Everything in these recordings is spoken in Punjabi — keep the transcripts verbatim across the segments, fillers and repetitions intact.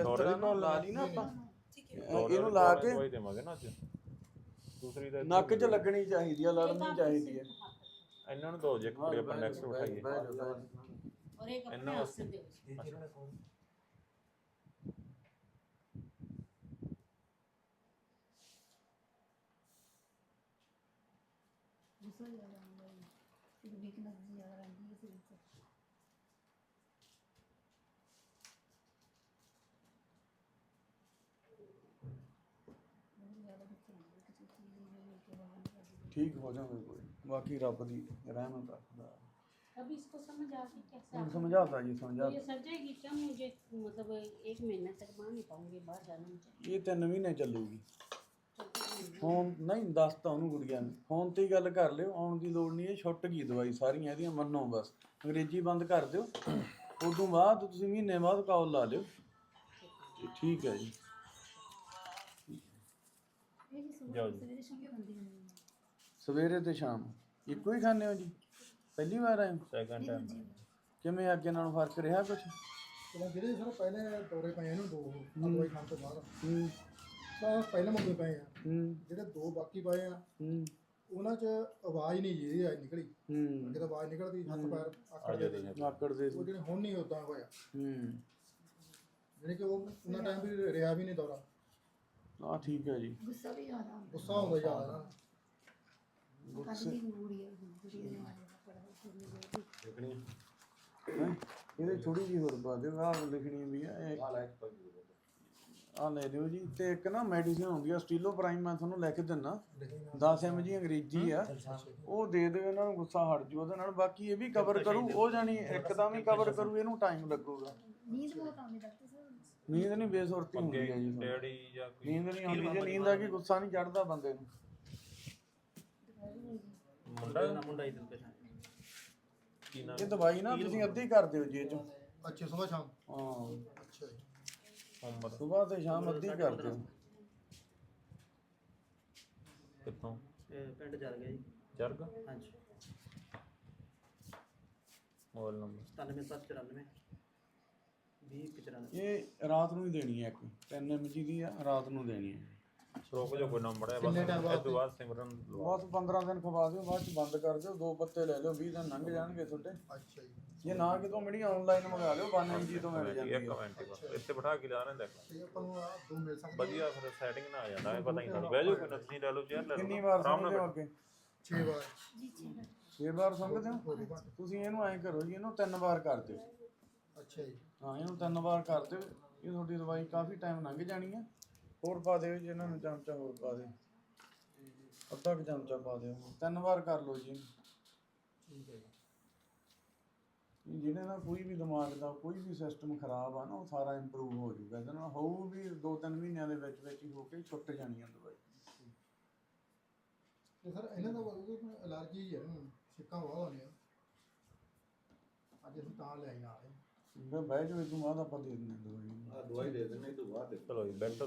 ਤਰ੍ਹਾਂ ਨਾ ਲਾ ਲਈ ਨਾ ਆਪਾਂ ਇਹਨੂੰ ਲਾ ਕੇ ਦਵਾਈ ਦੇਵਾਂਗੇ ਨਾ ਅੱਜ ਦੂਸਰੀ ਦਾ ਨੱਕ 'ਚ ਲੱਗਣੀ ਚਾਹੀਦੀ ਆ, ਲੜਨੀ ਚਾਹੀਦੀ ਹੈ। ਇਹਨਾਂ ਨੂੰ ਦੋ ਜੇ ਕੱਪੜੇ ਆਪਾਂ ਨੈਕਸਟ ਉਠਾਈਏ और एक अपने ਇਹਨਾਂ हाथ ਵਾਸਤੇ से दो गुस्सा ज्यादा आंदा है फिर वीकनेस ज्यादा रहती है शरीर से बहुत ज्यादा गुस्सा आंदा है किसी चीज में लेके बाहर निकल ਠੀਕ ਹੋ ਜਾਵੇ ਕੋਈ, ਬਾਕੀ ਰੱਬ ਦੀ ਰਹਿਮਤ ਰੱਖਦਾ। अभी इसको समझ आ गई कैसे ਹੁਣ आप- ਸਮਝਾਤਾ ਜੀ तो ਸਮਝਾਤਾ। ये सर जाएगी क्या मुझे मतलब एक महीने तक बाहर नहीं पाऊंगी बाहर जाना मुझे ਇਹ ਤਿੰਨ ਮਹੀਨੇ ਚੱਲੂਗੀ। चलते नहीं ਫੋਨ ਨਹੀਂ ਦੱਸਤਾ ਉਹਨੂੰ ਗੁੜੀਆ ਨੂੰ, ਫੋਨ ਤੇ ਹੀ ਗੱਲ ਕਰ ਲਿਓ, ਆਉਣ ਦੀ ਲੋੜ ਨਹੀਂ, ਇਹ ਛੁੱਟ ਗਈ ਦਵਾਈ ਸਾਰੀਆਂ ਇਹਦੀਆਂ, ਮੰਨੋ ਬਸ ਅੰਗਰੇਜ਼ੀ ਬੰਦ ਕਰ ਦਿਓ। ਉਦੋਂ ਬਾਅਦ ਤੁਸੀਂ ਮਹੀਨੇ ਬਾਅਦ ਕਾਲ ਲਾ ਲਿਓ। ਤੇ ਠੀਕ ਹੈ ਜੀ। ये जी सुबह जाओ जी। सवेरे शाम खाती हूँ ਸਵੇਰੇ ਤੇ ਸ਼ਾਮ ਇੱਕੋ ਹੀ ਖਾਂਦੇ ਹੋ ਜੀ? ਪਹਿਲੀ ਵਾਰ ਆਏ ਹੋ? ਸੈਕੰਡ ਟਾਈਮ ਕਿਵੇਂ ਅੱਗੇ ਨਾਲੋਂ ਫਰਕ ਰਿਹਾ ਕੁਛ? ਜਿਹੜੇ ਸਰ ਪਹਿਲੇ ਦੌਰੇ ਪਏ ਇਹਨੂੰ ਦੋ ਦਵਾਈ ਖਾਣ ਤੋਂ ਬਾਅਦ ਹੂੰ ਤਾਂ ਪਹਿਲੇ ਮੰਗੇ ਪਏ ਆ, ਹੂੰ ਜਿਹੜੇ ਦੋ ਬਾਕੀ ਪਏ ਆ ਹੂੰ ਉਹਨਾਂ 'ਚ ਆਵਾਜ਼ ਨਹੀਂ ਜੀ ਆਈ ਨਿਕਲੀ, ਹੂੰ ਅੱਗੇ ਤਾਂ ਆਵਾਜ਼ ਨਿਕਲਦੀ ਹੱਥ ਪੈਰ ਆਕੜ ਦੇ ਆਕੜ ਦੇ ਉਹ ਜਿਹੜੇ ਹੁਣ ਨਹੀਂ ਉਦਾਂ ਹੋਇਆ, ਹੂੰ ਜਿਹੜੇ ਕਿ ਉਹ ਉਹਨਾਂ ਟਾਈਮ ਵੀ ਰਿਹਾ ਵੀ ਨਹੀਂ ਦੌਰਾ, ਆ ਠੀਕ ਹੈ ਜੀ। गुस्सा भी आ रहा ਗੁੱਸਾ ਹੁੰਦਾ ਜ਼ਿਆਦਾ ਨਾ। कल भी बुरी है बुरी है हमारे पड़ा करने गए ਦੇਖਣੀ ਹੈਂ? ਇਹਦੇ ਥੋੜੀ ਜਿਹੀ ਹੋਰ ਪਾ ਦਿਓ, ਆਹ ਲਿਖਣੀ ਵੀ ਆ ਇਹ ਆਹ ਲੈ ਦਿਓ ਜੀ। ਤੇ ਇੱਕ ਨਾ ਮੈਡੀਸਿਨ ਹੁੰਦੀ ਆ ਸਟੀਲੋ ਪ੍ਰਾਈਮ, ਮੈਂ ਤੁਹਾਨੂੰ ਲੈ ਕੇ ਦਿੰਦਾ, ਦਸ ਐਮ ਜੀ ਅੰਗਰੇਜ਼ੀ ਆ, ਉਹ ਦੇ ਦਿਓ ਇਹਨਾਂ ਨੂੰ, ਗੁੱਸਾ ਹਟ ਜੂ ਉਹਦੇ ਨਾਲ। ਬਾਕੀ ਇਹ ਵੀ ਕਵਰ ਕਰੂ, ਉਹ ਜਾਣੀ ਇੱਕਦਮ ਹੀ ਕਵਰ ਕਰੂ, ਇਹਨੂੰ ਟਾਈਮ ਲੱਗੂਗਾ। नींद बहुत आने लगती है ਨੀਂਦ ਨਹੀਂ ਬੇਸੁਰਤੀ ਹੁੰਦੀ ਹੈ ਜੀ ਤੁਹਾਨੂੰ। ਡੈਡੀ ਜਾਂ ਕੋਈ ਨੀਂਦ ਨਹੀਂ ਆਉਂਦੀ, ਜੇ ਨੀਂਦ ਆ ਗਈ ਗੁੱਸਾ ਨਹੀਂ ਚੜਦਾ ਬੰਦੇ ਨੂੰ। ਮੁੰਡਾ ਮੁੰਡਾ ਇਧਰ ਤੇ ਕੀ ਨਾਮ ਇਹ ਦਵਾਈ ਨਾ ਤੁਸੀਂ ਅੱਧੀ ਕਰ ਦਿਓ ਜੀ ਇਹ ਚੋਂ। ਅੱਛਾ ਸੁਬਾਹ ਸ਼ਾਮ ਹਾਂ ਅੱਛਾ ਜੀ ਮੁਹੰਮਦ ਸਵੇਰ ਤੇ ਸ਼ਾਮ ਅੱਧੀ ਕਰ ਦਿਓ। ਕਿੱਥੋਂ ਪਿੰਡ ਚੱਲ ਗਿਆ ਜੀ। ਜਰਗ ਹਾਂਜੀ ਮੋਬਾਈਲ ਨੰਬਰ ਸਤਾਨਵੇਂ ਸੱਤ ਚੁਰਾਨਵੇਂ ਵੀਹ ਇੱਕ ਚੁਰਾਨਵੇਂ। ਇਹ ਰਾਤ ਨੂੰ ਹੀ ਦੇਣੀ ਹੈ, ਇੱਕ ਤਿੰਨ ਐਮ ਜੀ ਦੀ ਆ, ਰਾਤ ਨੂੰ ਦੇਣੀ ਹੈ। ਰੋਕ ਜੋ ਕੋਈ ਨੰਬਰ ਹੈ ਬਸ ਕਿੰਨੇ time ਇਸ ਤੋਂ ਬਾਅਦ ਸਿਮਰਨ ਲਵਾ ਬਸ ਪੰਦਰਾਂ ਦਿਨ ਖਵਾ ਦਿਓ, ਬਾਅਦ ਚ ਬੰਦ ਕਰ ਦਿਓ, ਦੋ ਪੱਤੇ ਲੈ ਲਿਓ, ਵੀਹ ਦਿਨ ਲੰਘ ਜਾਣਗੇ ਤੁਹਾਡੇ। ਅੱਛਾ ਜੀ ਜੇ ਨਾ ਕਿਤੋਂ ਮਿਲੀ ਆਨਲਾਈਨ ਮੰਗਾ ਲਿਓ, ਵਨ ਐਮ ਜੀ ਤੋਂ ਮਿਲ ਜਾਂਦੀ ਇੱਕ ਹੈ। ਮਿੰਟ ਬਸ ਇੱਥੇ ਬਿਠਾ ਕੇ ਲਿਆ ਰਹੇ ਦੇਖ ਤੇ ਆਪਾਂ ਨੂੰ ਆਹ ਦੋ ਮਿਲ ਸਕਦੇ ਵਧੀਆ ਫਿਰ ਸੈਟਿੰਗ ਨਾ ਆ ਜਾਂਦਾ ਇਹ ਪਤਾ ਨਹੀਂ ਤੁਹਾਨੂੰ ਬਹਿ ਜਾਓ ਕੋਈ ਨਾ ਤੁਸੀਂ ਲੈ ਲਓ ਚੇਅਰ ਲੈ ਲਓ ਕਿੰਨੀ ਵਾਰ ਆਰਾਮ ਨਾਲ ਸੁਣਦੇ ਹੋ ਅੱਗੇ? ਛੇ ਵਾਰ ਛੇ ਵਾਰ ਸੁਣਦੇ ਹੋ? ਤੁਸੀਂ ਇਹਨੂੰ ਐਂ ਕਰੋ ਜੀ, ਇਹਨੂੰ ਤਿੰਨ ਵਾਰ ਕਰ ਦਿਓ। ਅੱਛਾ ਜੀ ਹਾਂ ਇਹਨੂੰ ਤਿੰਨ ਵਾਰ ਕਰ ਦਿਓ, ਇਹ ਤੁਹਾਡੀ ਦਵਾਈ ਕਾਫੀ ਟਾਈਮ ਲੰਘ ਜਾਣੀ ਹੈ। ਹੋਰ ਪਾ ਦਿਓ ਜੀ, ਇਹਨਾਂ ਨੂੰ ਚਮਚਾ ਹੋਰ ਪਾ ਦਿਓ, ਅੱਧਾ ਕੁ ਚਮਚਾ ਪਾ ਦਿਓ, ਤਿੰਨ ਵਾਰ ਕਰ ਲਓ ਜੀ। ਠੀਕ ਹੈ ਜੀ ਜਿਹਦੇ ਨਾਲ ਕੋਈ ਵੀ ਦਿਮਾਗ ਦਾ ਕੋਈ ਵੀ ਸਿਸਟਮ ਖਰਾਬ ਆ ਨਾ, ਉਹ ਸਾਰਾ ਇੰਪਰੂਵ ਹੋ ਜਾਊਗਾ। ਇਹਦੇ ਨਾਲ ਹੋਊ ਵੀ ਦੋ ਤਿੰਨ ਮਹੀਨਿਆਂ ਦੇ ਵਿੱਚ ਵਿੱਚ ਹੀ ਹੋ ਕੇ ਛੁੱਟ ਜਾਣੀ ਆ ਦਵਾਈ। ਤੇ ਸਰ ਇਹਨਾਂ ਦਾ ਕੋਈ ਅਲਰਜੀ ਹੈ ਨਾ, ਛਿੱਕਾਂ ਬਹੁਤ ਆਉਂਦੀਆਂ, ਅੱਜ ਅਸੀਂ ਤਾਂ ਲੈ ਆਏ ਨਾਲ ਹੀ। ਮੈਂ ਬਹਿ ਜਾਓ, ਇਹ ਤੋਂ ਬਾਅਦ ਆਪਾਂ ਦੇ ਦਿੰਦੇ ਹਾਂ ਦਵਾਈ। ਆ ਦਵਾਈ ਦੇ ਦੇਣੇ ਤੋਂ ਬਾਅਦ ਦੇਖੋ। ਚਲੋ ਜੀ ਬੈਠੋ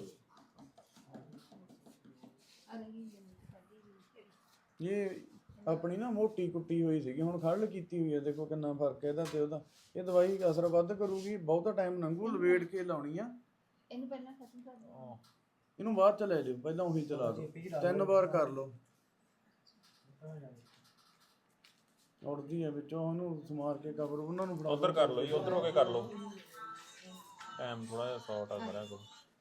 ਇਹ ਆਪਣੀ ਨਾ ਮੋਟੀ ਕੁੱਟੀ ਹੋਈ ਸੀਗੀ, ਹੁਣ ਖੜਲ ਕੀਤੀ ਹੋਈ ਹੈ, ਦੇਖੋ ਕਿੰਨਾ ਫਰਕ ਹੈ ਇਹਦਾ ਤੇ ਉਹਦਾ। ਇਹ ਦਵਾਈ ਅਸਰ ਵੱਧ ਕਰੂਗੀ, ਬਹੁਤਾ ਟਾਈਮ ਲੰਘੂ, ਲਵੇੜ ਕੇ ਲਾਉਣੀ ਆ ਇਹਨੂੰ ਪਹਿਲਾਂ ਖਤਮ ਕਰ ਦਿਓ ਇਹਨੂੰ, ਬਾਅਦ ਚ ਲੈ ਲਿਓ, ਪਹਿਲਾਂ ਉਹੀ ਚਲਾ ਦਿਓ, ਤਿੰਨ ਵਾਰ ਕਰ ਲਓ। ਉੜਦੀ ਹੈ ਵਿੱਚੋਂ, ਉਹਨੂੰ ਸਮਾਰ ਕੇ ਕਵਰ ਉਹਨਾਂ ਨੂੰ ਫੜਾ ਉਧਰ ਕਰ ਲਓ ਜੀ, ਉਧਰ ਹੋ ਕੇ ਕਰ ਲਓ, ਟਾਈਮ ਥੋੜਾ ਜਿਹਾ ਸ਼ਾਰਟ ਆ ਕਰਿਆ ਕਰੋ।